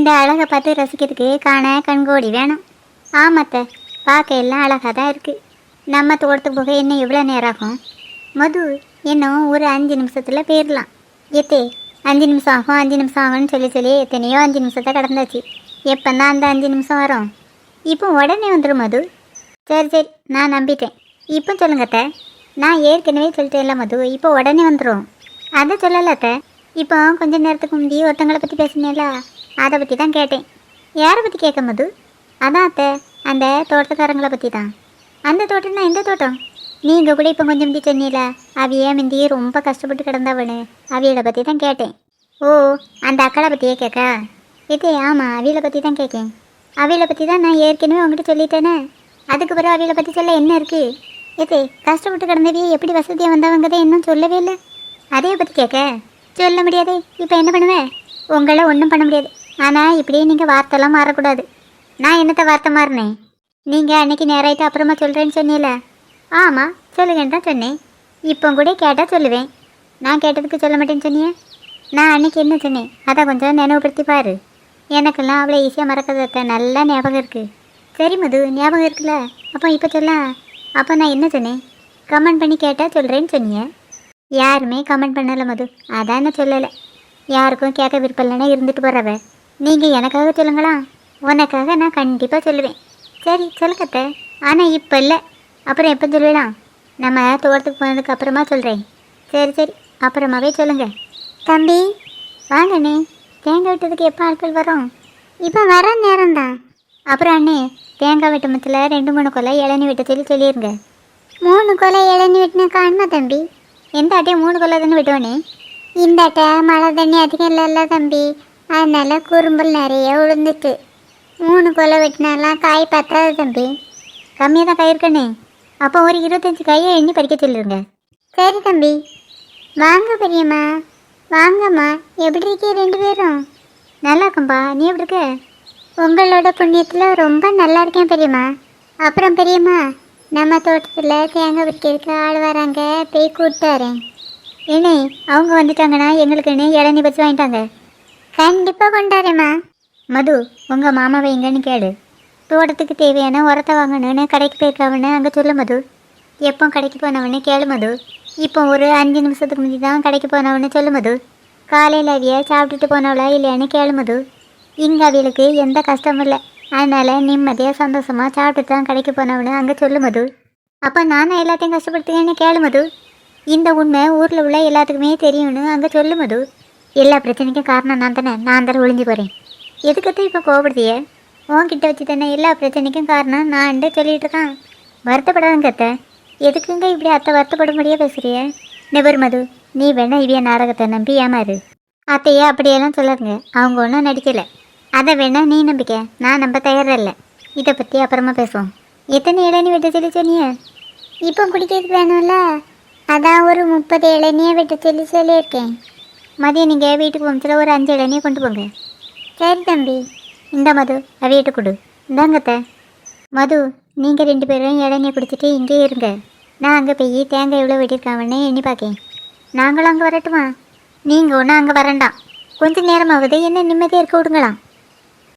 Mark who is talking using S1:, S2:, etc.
S1: இந்த அழகை பார்த்து ரசிக்கிறதுக்கு காண கண்கோடி வேணும். ஆமாத்த, பார்க்க எல்லாம் அழகாக தான் இருக்குது. நம்ம தோட்டத்துக்கு போக இன்னும் எவ்வளோ நேரம் ஆகும்? மது, இன்னும் ஒரு 5 நிமிஷத்தில் போயிடலாம். எத்தே 5 நிமிஷம் ஆகும் 5 நிமிஷம் ஆகும்னு சொல்லி எத்தனையோ 5 நிமிஷத்தை கடந்தாச்சு. எப்போ தான் அந்த 5 நிமிஷம் வரும்? இப்போ உடனே வந்துடும் மது. சரி, நான் நம்பிட்டேன். இப்போ சொல்லுங்கத்த. நான் ஏற்கனவே சொல்லிட்டேன்ல மது, இப்போ உடனே வந்துடும். அதை சொல்லலத்த. இப்போ கொஞ்சம் நேரத்துக்கு முந்தி ஒருத்தங்களை பற்றி பேசினேல, அதை பற்றி தான் கேட்டேன். யாரை பற்றி கேட்க மது? அதான் அத்தை, அந்த தோட்டக்காரங்களை பற்றி தான். அந்த தோட்டம்னா எந்த தோட்டம்? நீங்கள் கூட இப்போ கொஞ்சம் முந்தி சொன்னீல, அவையே முந்தி ரொம்ப கஷ்டப்பட்டு கிடந்தவனு, அவியலை பற்றி தான் கேட்டேன். ஓ, அந்த அக்களை பற்றியே கேட்க? இதே ஆமாம், அவியலை பற்றி தான் கேட்கேன். அவியலை பற்றி தான் நான் ஏற்கனவே உங்ககிட்ட சொல்லிட்டேனே. அதுக்கு பிறகு அவியலை பற்றி சொல்ல என்ன இருக்குது? இதே கஷ்டப்பட்டு கிடந்தவையே எப்படி வசதியாக வந்தவங்கதே இன்னும் சொல்லவே இல்லை. அதையை பற்றி கேட்க சொல்ல முடியாது. இப்போ என்ன பண்ணுவேன்? உங்களை ஒன்றும் பண்ண முடியாது. ஆனால் இப்படியே நீங்கள் வார்த்தைலாம் மாறக்கூடாது. நான் என்னத்தை வார்த்தை மாறினேன்? நீங்கள் அன்றைக்கி நேராயிட்டு அப்புறமா சொல்கிறேன்னு சொன்னீல. ஆமாம், சொல்லுங்கன்னு தான் சொன்னேன். இப்போ கூட கேட்டால் சொல்லுவேன். நான் கேட்டதுக்கு சொல்ல மாட்டேன்னு சொன்னியே. நான் அன்றைக்கி என்ன சொன்னேன் அதை கொஞ்சம் நினைவுபடுத்தி பாரு. எனக்கெல்லாம் அவ்வளோ ஈஸியாக மறக்கிறத நல்லா ஞாபகம் இருக்குது. சரி மது, ஞாபகம் இருக்குல்ல? அப்போ இப்போ சொல்ல. அப்போ நான் என்ன சொன்னேன்? கமெண்ட் பண்ணி கேட்டால் சொல்கிறேன்னு சொன்னீங்க. யாருமே கமெண்ட் பண்ணலை மது, அதான் என்ன சொல்லலை. யாருக்கும் கேட்க விருப்பம் இல்லைன்னா இருந்துட்டு போகிறவ. நீங்கள் எனக்காக சொல்லுங்களா? உனக்காக நான் கண்டிப்பாக சொல்லுவேன். சரி சொல்லுக்கத்த, ஆனால் இப்போ இல்லை. அப்புறம் எப்போ சொல்லுவேலாம்? நம்ம தோட்டத்துக்கு போனதுக்கு அப்புறமா சொல்கிறேன். சரி, அப்புறமாவே சொல்லுங்கள். தம்பி வாங்கண்ணே, தேங்காய் வெட்டதுக்கு எப்போ ஆட்கள் வரும்? இப்போ வர நேரம்தான். அப்புறம் அண்ணே, தேங்காய் வெட்டமத்தில் 2-3 கொலை இளநீ வெட்ட சொல்லிடுங்க. 3 கொலை இளநீ வெட்டினா காணுமா தம்பி? எந்த அட்டையும் 3 கொலை தானே வெட்டுவானே. இந்த அட்டை மழை தண்ணி அதிகம் இல்லைல்ல தம்பி, அதனால குறும்பல் நிறைய விழுந்துட்டு 3 கொலை வெட்டினாலாம் காய் பத்தாது தம்பி. கம்மியாக தான் காய் இருக்கண்ணே. அப்போ ஒரு 25 காயை எண்ணி பறிக்க சொல்லிடுங்க. சரி தம்பி. வாங்க பெரியம்மா. வாங்கம்மா, எப்படி இருக்கே 2 பேரும்? நல்லா இருக்கும்பா, நீ எப்படி இருக்க? உங்களோட புண்ணியத்தில் ரொம்ப நல்லா இருக்கேன் பெரியம்மா. அப்புறம் பெரியம்மா, நம்ம தோட்டத்தில் தேங்காய் விற்கிறதுக்கு ஆள் வராங்க, போய் கூப்பிட்டு வரேன். ஏனே, அவங்க வந்துட்டாங்கன்னா எங்களுக்குன்னு இளநீ பச்சு வாங்கிட்டாங்க. கண்டிப்பாக கொண்டாடுறேம்மா. மது, உங்கள் மாமாவை எங்கன்னு கேளு. தோட்டத்துக்கு தேவையான உரத்தை வாங்கணுன்னு கடைக்கு போயிருக்காவன்னு அங்கே சொல்லு மது. எப்போ கடைக்கு போனவன்னு கேளு மது. இப்போ ஒரு 5 நிமிஷத்துக்கு முந்தி தான் கடைக்கு போனவன்னு சொல்லு மது. காலையில் அவிய சாப்பிட்டுட்டு போனவளா இல்லையான்னு கேளு மது. இங்கே அவியலுக்கு எந்த கஷ்டமும் இல்லை, அதனால் நிம்மதியாக சந்தோஷமாக சாப்பிட்டு தான் கடைக்கு போனவன்னு அங்கே சொல்லு மது. அப்போ நானும் எல்லாத்தையும் கஷ்டப்படுத்துவேன்னு கேளு மது. இந்த உண்மை ஊரில் உள்ள எல்லாத்துக்குமே தெரியும்னு அங்கே சொல்லு மது. எல்லா பிரச்சனைக்கும் காரணம் நான் தானே ஒளிஞ்சு போகிறேன். எதுக்கத்தான் இப்போ கோபப்படுத்திய? உன்கிட்ட வச்சு தானே எல்லா பிரச்சனைக்கும் காரணம் நான் சொல்லிகிட்டு இருக்கான். வருத்தப்படாதுங்க அத்தை. எதுக்குங்க இப்படி அத்தை வருத்தப்படும்படியே பேசுகிறிய? நெபர் மது, நீ வேணா இவிய நாடகத்தை நம்பி ஏமாறு. அத்தையே அப்படியெல்லாம் சொல்லாதுங்க, அவங்க ஒன்றும் நடிக்கலை. அதை வேணா நீ நம்பிக்க, நான் நம்ப தயாரில்லை. இதை பற்றி அப்புறமா பேசுவோம். எத்தனை இளநீ வெட்ட சொல்லி சொன்னிய? இப்போ குடிக்கிறதுக்கு வேணும்ல, அதான் ஒரு 30 இளநியை வெட்ட சொல்லியிருக்கேன். மதியம் நீங்கள் வீட்டுக்கு போச்சுல ஒரு 5 இளநியை கொண்டு போங்க. சரி தம்பி. இந்த மது, அவையிட்டு கொடு. இந்தாங்கத்த. மது, நீங்கள் 2 பேரும் இளநியை குடிச்சிட்டு இங்கே இருங்க. நான் அங்கே போய் தேங்காய் எவ்வளோ வெட்டியிருக்காங்கன்னு எண்ணி பார்க்கேன். நாங்களும் அங்கே வரட்டுமா? நீங்கள் ஒன்றும் அங்கே வரண்டாம். கொஞ்சம் நேரமாவது என்ன நிம்மதியாக இருக்க விடுங்களாம்.